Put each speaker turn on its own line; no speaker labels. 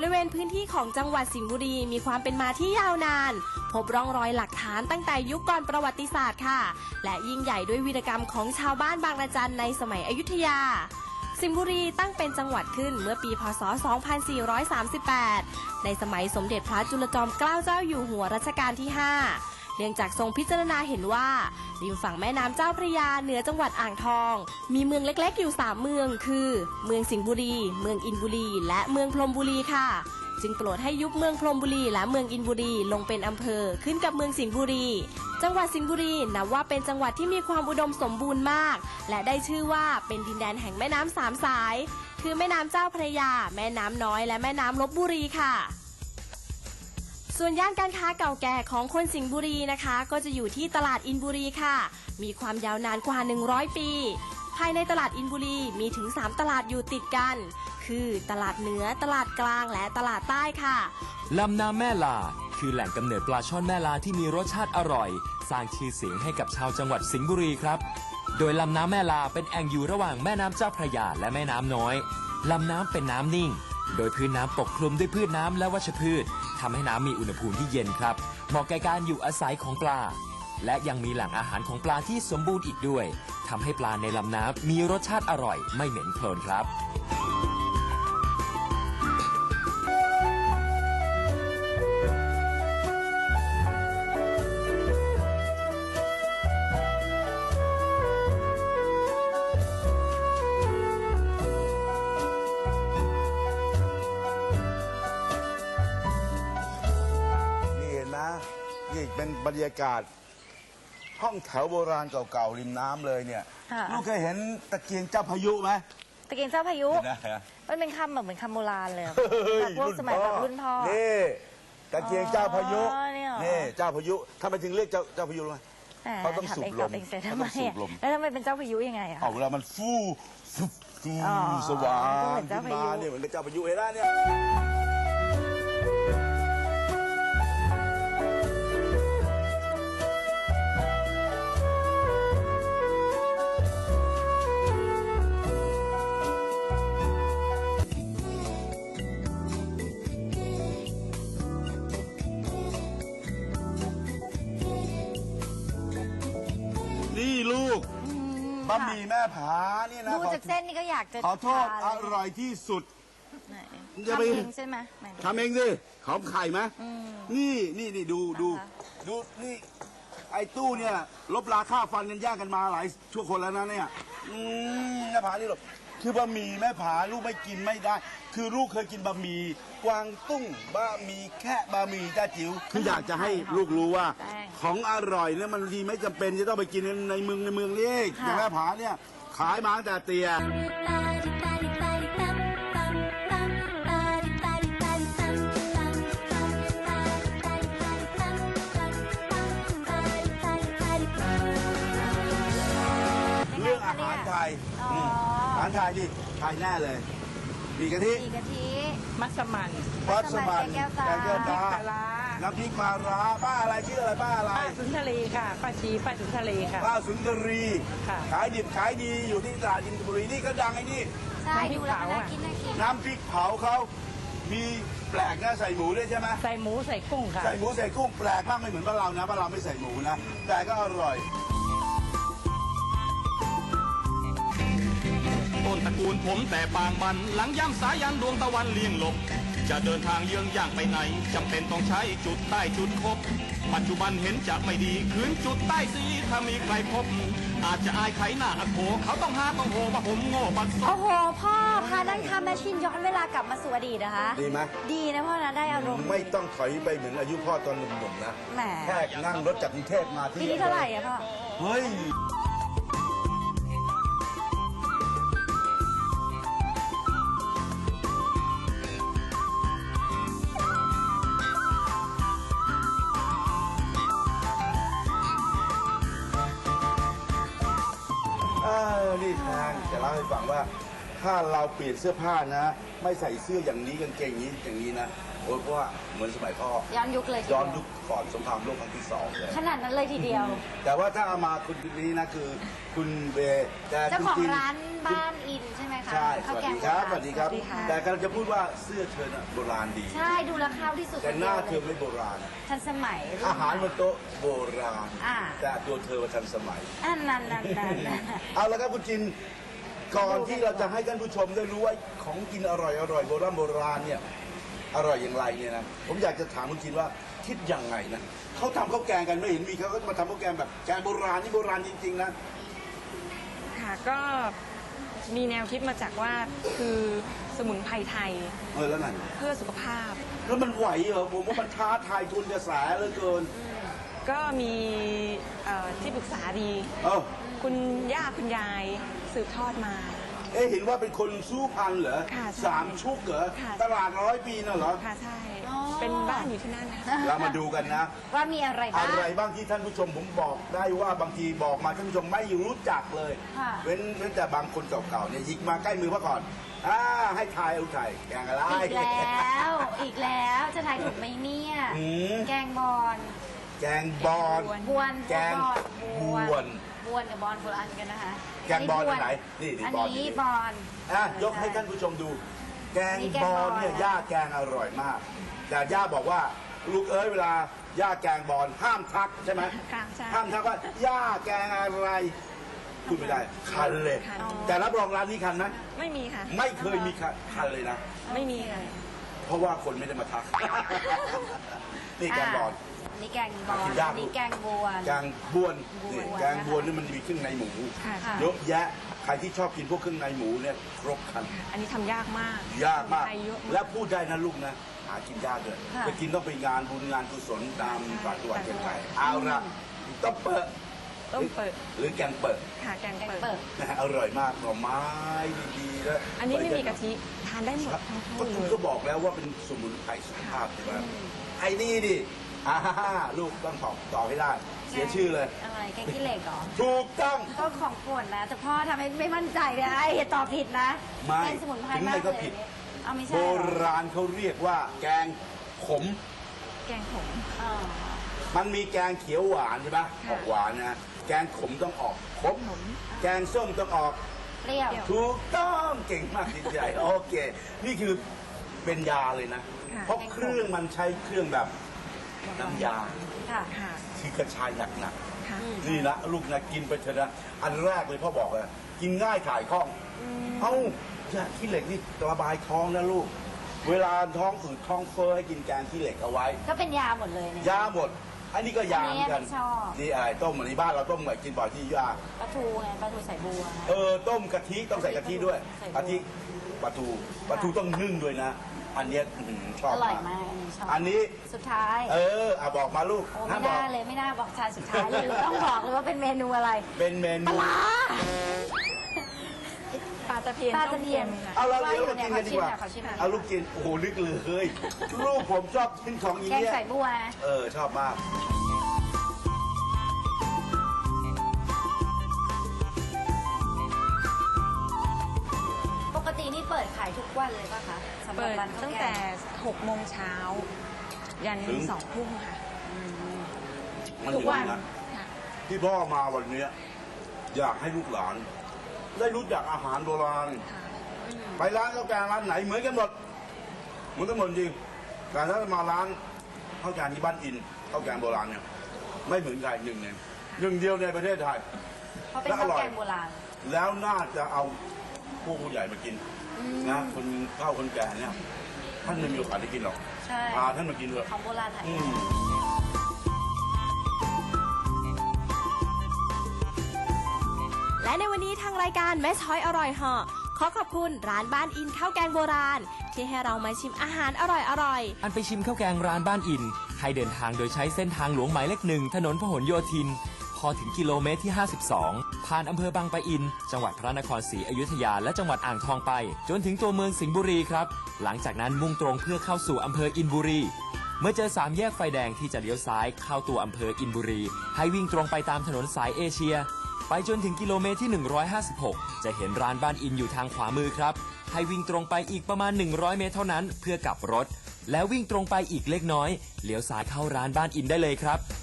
ริเวณพื้นที่ของจังหวัดสิงห์บุรีมีความเป็นมาที่ยาวนานพบร่องรอยหลักฐานตั้งแต่ยุคก่อนประวัติศาสตร์ค่ะและยิ่งใหญ่ด้วยวีรกรรมของชาวบ้านบางระจันในสมัยอยุธยาสิงห์บุรีตั้งเป็นจังหวัดขึ้นเมื่อปีพ.ศ. 2438 ในสมัยสมเด็จพระจุลจอมเกล้าเจ้าอยู่หัวรัชกาลที่ 5 เนื่องจากทรงพิจารณาเห็นว่าริมฝั่งแม่น้ำเจ้าพระยาเหนือจังหวัดอ่างทองมีเมืองเล็กๆอยู่3เมืองคือเมืองสิงห์บุรีเมืองอินบุรีและเมืองพรหมบุรีค่ะจึงโปรดให้ยุบเมืองพรหมบุรีและเมืองอินบุรีลงเป็นอำเภอขึ้นกับเมืองสิงห์บุรีจังหวัดสิงห์บุรีนับว่าเป็นจังหวัดที่มีความอุดมสมบูรณ์มากและได้ชื่อว่าเป็นดินแดนแห่งแม่น้ำ3 สายคือแม่น้ำเจ้าพระยาแม่น้ำน้อยและแม่น้ำลพบุรีค่ะส่วนย่านการค้าเก่าแก่ของคนสิงห์บุรีนะคะก็จะอยู่ที่ตลาดอินบุรีค่ะมีความยาวนานกว่า100 ปีภายในตลาดอินบุรีมีถึง3ตลาดอยู่ติดกันคือตลาดเหนือตลาดกลางและตลาดใต้ค่ะ
ลำน้ำแม่ลาคือแหล่งกำเนิดปลาช่อนแม่ลาที่มีรสชาติอร่อยสร้างชื่อเสียงให้กับชาวจังหวัดสิงห์บุรีครับโดยลำน้ำแม่ลาเป็นแอ่งอยู่ระหว่างแม่น้ำเจ้าพระยาและแม่น้ำน้อยลำน้ำเป็นน้ำนิ่งโดยพื้นน้ำปกคลุมด้วยพืชน้ำและวัชพืชทำให้น้ำมีอุณหภูมิที่เย็นครับเหมาะแก่การอยู่อาศัยของปลาและยังมีแหล่งอาหารของปลาที่สมบูรณ์อีกด้วยทำให้ปลาในลำน้ำมีรสชาติอร่อยไม่เหม็นโคลนครับ
นี่เป็นบรรยากาศห้องแถวโบราณเก่าๆริมน้ำเลยเนี่ยลูกเคยเห็นตะเกียงเจ้าพายุไหม
ตะเกียงเจ้าพายุมันเป็นคำแบบเหมือนคำโบราณเลยแบบพวกสมัยแบบรุ่นพ่อ
นี่ตะเกียงเจ้าพายุนี่เจ้าพายุทำไมถึงเรียกเจ้าพายุรู้ไหมเขาต้องสูบลม
แล้วทำไมเป็นเจ้าพายุยังไง
เวลามันฟูสว่างขึ้นมาเนี่ยเหมือนกับเจ้าพายุเห็นไหมเนี่ยนี่ลูกบะหมี่แม่ผาเนี่ยนะ
ดูจากเส้นนี่ก็อยากจะ
ขอโทษอร่อยที่สุด
ทำเองใช่ไหม
ทำเองสิหอมไข่ไหมนี่ดูนี่ไอ้ตู้เนี่ยลบราค่าฟันกันแย่งกันมาหลายชั่วคนแล้วนะเนี่ยแม่ผานี่หรอกคือบะหมี่แม่ผาลูกไม่กินไม่ได้คือลูกเคยกินบะหมี่กวางตุ้งบะหมี่แค่บะหมี่จ้าจิ๋วคืออยากจะให้ลูกรู้ว่าของอร่อยเนี่ยมันดีไม่จำเป็นจะต้องไปกินในเมืองนี่อย่างแม่ผาเนี่ยขายมาตั้งแต่เตี้ยเรื่องอาหารไทยอาหารไทยดิไทยแน่เลยมีกะทิ
มัสมั่น
แกงแก้วตาน้ำพริกปลาร้าป้าอะไรชื่ออะไรป้าอะไร
ป้าสุนทรีค่ะป้าสุนทรีค่ะ
ป้าสุนทรีขายดิบขายดีอยู่ที่ตลาดอินบุรีนี่ก็ดังไอ้นี่
ใช่ดูแล้วน่ากิน
น้ำพริกเผาเขามีแปลกนะใส่หมูด้วยใช่ไหม
ใส่หมูใส่กุ้งค่ะ
ใส่หมูใส่กุ้งแปลกมากไม่เหมือนบ้านเรานะบ้านเราไม่ใส่หมูนะแต่ก็อร่อย
ต้นตระกูลผมแต่ปางมันหลังย่ำสายันดวงตะวันเลี่ยงหลบจะเดินทางเยื้องย่างไปไหนจำเป็นต้องใช้จุดใต้จุดคบปัจจุบันเห็นจะไม่ดีคืนจุดใต้สีถ้ามีใครพบอาจจะอายไขหน้าอักโขเขาต้องโหว่าผมโง่บัดซบ
โอ้โหพ่อพานั่งทำแมชชีนย้อนเวลากลับมาสู่อดีตนะคะ
ดีไหม
ดีนะพ่อนะได้อารมณ์
ไม่ต้องถอยไปเหมือนอายุพ่อตอนหนุ่มๆนะแค่นั่งรถจากกรุงเทพมาที่
ปีนี้เท่าไหร่อะพ่อ
เฮ้ยนี่ทางจะเล่าให้ฟังว่าถ้าเราเปลี่ยนเสื้อผ้านะ ไม่ใส่เสื้ออย่างนี้กางเกงอย่างนี้นะโอ้ยเพราะว่าเหมือนสมัยพ่อ
ย้อนยุคเลยที
ย้อน
เดี
ยุ
ยว
คก่อนสงครามโลกครั้งที่สองเลย
ขนาดนั้นเลยทีเดียว
แต่ว่าถ้าเอามาคุณนี้นะคือคุณเบแต่
เจ้าของ
จๆ
ร้านบ้านอินใช่ไหมคะ
ใช่ส
ข้าว
วัส
แกง
ดีครับ
โบ
สวัสดีครับ
สวัสดีค่ะ
แต่กำลังจะพูดว่าเสื้อเธอน่ะโบราณดี
ใช่ดูราคาที่สุด
แต่หน้าเธ
ดี
อ
ยว
ไม่โบราณ
ทันสมัย
อาหารบนโต๊ะโบราณ
อ่า
แต่ตัวเธอว่าทันสมัย
อันนั้น
เอาละครับคุณจิน ก่อนที่เราจะให้ท่านผู้ชมได้รู้ว่าของกินอร่อยโบราณเนี่ยอร่อยอย่างไรเนี่ยนะผมอยากจะถามคุณจินว่าคิดยังไงนะเขาทำข้าวแกงกันไม่เห็นมีเขาก็มาทำข้าวแกงแบบแกงโบราณนี่โบราณจริงๆนะ
ค่ะก็มีแนวคิดมาจากว่าคือสมุนไพรไทย
แล้วนั่น
เพื่อสุขภาพ
แล้วมันไหวเหรอผมว่ามันท้าทายทุนกระแสเหลือเกิน
ก็มีที่ปรึกษาดี
เอ้า
คุณย่าคุณยายสืบทอดมา
เห็นว่าเป็นคนสู้พันเหรอ
ค่ะใช่
3 ชุกเหรอ
ค่ะ
ตลาด100 ปีน่ะเหรอ
ค่ะใช่ เป็นบ้านอยู่ที่นั่นค่ะ
เรามาดูกันนะ
ว่ามีอะไรบ้าง
อะไรบ้างที่ท่านผู้ชมผมบอกได้ว่าบางทีบอกมาท่านผู้ชมไม่รู้จักเลย
ค่ะ
เว้นแต่บางคนเก่าๆเนี่ยหยิกมาใกล้มือมาก่อนให้ทายเอาไทยแกงอะไร
อีกแล้วจะทายถูกไหมเนี่ย
อืม
แกงบอน
แกงบอน
บวน
แกง
บวน
บวน
บวนกับบอนคนละอันกันนะคะ
แกงบอนอันไหนนี่
อัน
บอน
นี้บอน
ยกให้ท่านผู้ชมดู แกง
นี่แกง
บบ อ
อน
นเนี่ย
นะ
ย่าแกงอร่อยมาก แต่ย่าบอกว่าลูกเอ้ยเวลาย่าแกงบอนห้ามทักใช่ไหม
ค่ะใช่
ห้ามทักว่าย่าแกงอะไรพูดไม่ได้คันเลย
คัน
แต่รับรองร้านนี้คันไหม
ไม่มีค่ะ
ไม่เคยมีคันเลยนะ
ไม่มีค่ะ
เพราะว่าคนไม่ได้มาทัก นี่แกงบอน
อันนี้แกงบอน
กินยาก
อันนี้แกงบวน
แกงบวนนี่
บวน
แกงบวนนี่มันมีเครื่องในหมู
ค่ะ
ค่ะ
เยอะแยะใครที่ชอบกินพวกเครื่องในหมูเนี่ยครบครัน
อันนี้ทำยากมาก
ยากมาก
สมุนไพรเยอะ
และพูดได้นะลูกนะ หากินยากเลย
ค่ะ
ไปกินต้องไปงานบุญงานกุศลตามต่างจังหวัดเชียงรายเอาละต้องเปิด
ต้มเปิด
หรือแกงเปิด
ค่ะแกง
แกง
เปิด
เปิด
นะฮะอร่อยมากหน่อไม้ดีๆแล้ว
อันนี้ไม่มีกะทิ ทานได้หมด
ครับ
ทั้งคู่
ก็
เล
คุณ
ย
ก็บอกแล้วว่าเป็นสมุนไพรสุขภาพใช่ไหมไอ้นี่ดิลูกต้องตอบให้ได้ เสียชื่อเลย
อะไรแกงขี้เหล็กเหรอ
ถูกต้อง
ก็ของโปรดนะ แต่พ่อทำให้ไม่มั่นใจเลยไอ้อย่าตอบผิดนะ
ไม่
เป็นสมุนไพร
ถึง
มา
ไง
ก
ก็
เลย
ผิด
เอาไม่ใช่
โบ
เหรอ
ราณเขาเรียกว่า แกงขม
แกงขม
อ๋อ
มันมีแกงเขียวหวานใช่ไหมออกหวานนะ แกงขมต้องออกขม แกงส้มต้องออก
เปรี้ยว
ถูกต้องเก่งมากจิตใจโอเค นี่คือเป็นยาเลยนะ
ค่ะ
เพราะเครื่องมันใช้เครื่องแบบน้ำยา
ค่ะ
ค่ะ
ที่กระชายหนัก
ค่ะ
ๆนี่นะลูกนะกินไปเถอะนะอันแรกเลยพ่อบอกเลยกินง่ายถ่ายคล่อง เอ้ายาขี้เหล็กนี่ระบายท้องนะลูก เวลาท้องอืดท้องเฟ้อให้กินแกงขี้เหล็กเอาไว้
ก็เป็นยาหมดเลยเนี่ย
ยาหมด อันนี้ก็ยาเหมือนกัน
อันนี้ไม่ชอบ
นี่อะไรต้มอันนี้บ้านเราต้มแบบกินบ่อยที่ยา
ปลาทูไงปลาทูใส่บัว
ต้มกะทิต้องใส่กะทิด้วย
ใส่บัว
กะทิปลาทูต้องนึ่งด้วยนะ อันเนี้ยชอบ
อร่อยมากอันนี้ชอบ
อันนี้
สุดท้าย
บอกมาลูก
โอ้
ห้า
ไม่
มบอก
น่าเลยไม่น่าบอกชายสุดท้ายเลยต้องบอกเลยว่าเป็นเมนูอะไร
เป็นเมนู
ปลาตะเพียน
ปลา
ต้
ตะ
ม
เพี
เค็
ยน
มค่ะ
เอาเราเดี๋ยวเรากินกันดีกว่า
ขอชิมหน่อย
เอาลูกกิน โอ้โหลึกเลย ลูกผมชอบกินของอย่าง
แกง
เงี้ย
ใส่บัว
ชอบมาก
ปกตินี่เปิดขายทุกวันเลยป่ะคะสำหรับ
เปิด
ร้านข้าว
ตั้ง
แก
แต่
ง
6 โมงเช้า ยัน
ถึง
2 ทุ่มค่ะ
มัน
ทุ
อก
วั
ย่าง
น
นี้นะ
ค่ะ
ที่พ่อมาวันเนี้ยอยากให้ลูกหลาน ได้รู้จักอาหารโบราณ
ค่ะ
ไปร้านข้าวแกงร้านไหนเหมือนกันหมดเหมือนกันหมดจริงแต่ถ้ามาร้านข้าวแกงที่บ้านอินข้าวแกงโบราณเนี่ยไม่เหมือนใครหนึ่งเดียวในประเทศไทย
เพราะเป็นข้าวแกงโบราณ
แล้วน่าจะเอาพวกผู้ใหญ่มากินนะคนเข้าคนแก่เนี่ยท่านไม่มีโอกาสได้กินหรอก
ใช่
พาท่านมากินเถอะ
ของโบราณไทย
อืม
และในวันนี้ทางรายการแม่ช้อยอร่อยเหาะขอขอบคุณร้านบ้านอินข้าวแกงโบราณ ที่ให้เรามาชิมอาหารอร่อยๆ
อันไปชิมข้าวแกงร้านบ้านอิน ให้เดินทางโดยใช้เส้นทางหลวงหมายเลข 1 ถนนพหลโยธิน พอถึงกิโลเมตรที่ 52 ผ่านอำเภอบางปะอิน จังหวัดพระนครศรีอยุธยาและจังหวัดอ่างทองไป จนถึงตัวเมืองสิงห์บุรีครับ หลังจากนั้นมุ่งตรงเพื่อเข้าสู่อำเภออินบุรี เมื่อเจอ3แยกไฟแดงที่จะเลี้ยวซ้ายเข้าตัวอำเภออินบุรี ให้วิ่งตรงไปตามถนนสายเอเชียไปจนถึงกิโลเมตรที่ 156 จะเห็นร้านบ้านอินอยู่ทางขวามือครับ ให้วิ่งตรงไปอีกประมาณ 100 เมตรเท่านั้นเพื่อกลับรถ แล้ววิ่งตรงไปอีกเล็กน้อยเลี้ยวซ้ายเข้าร้านบ้านอินได้เลยครับ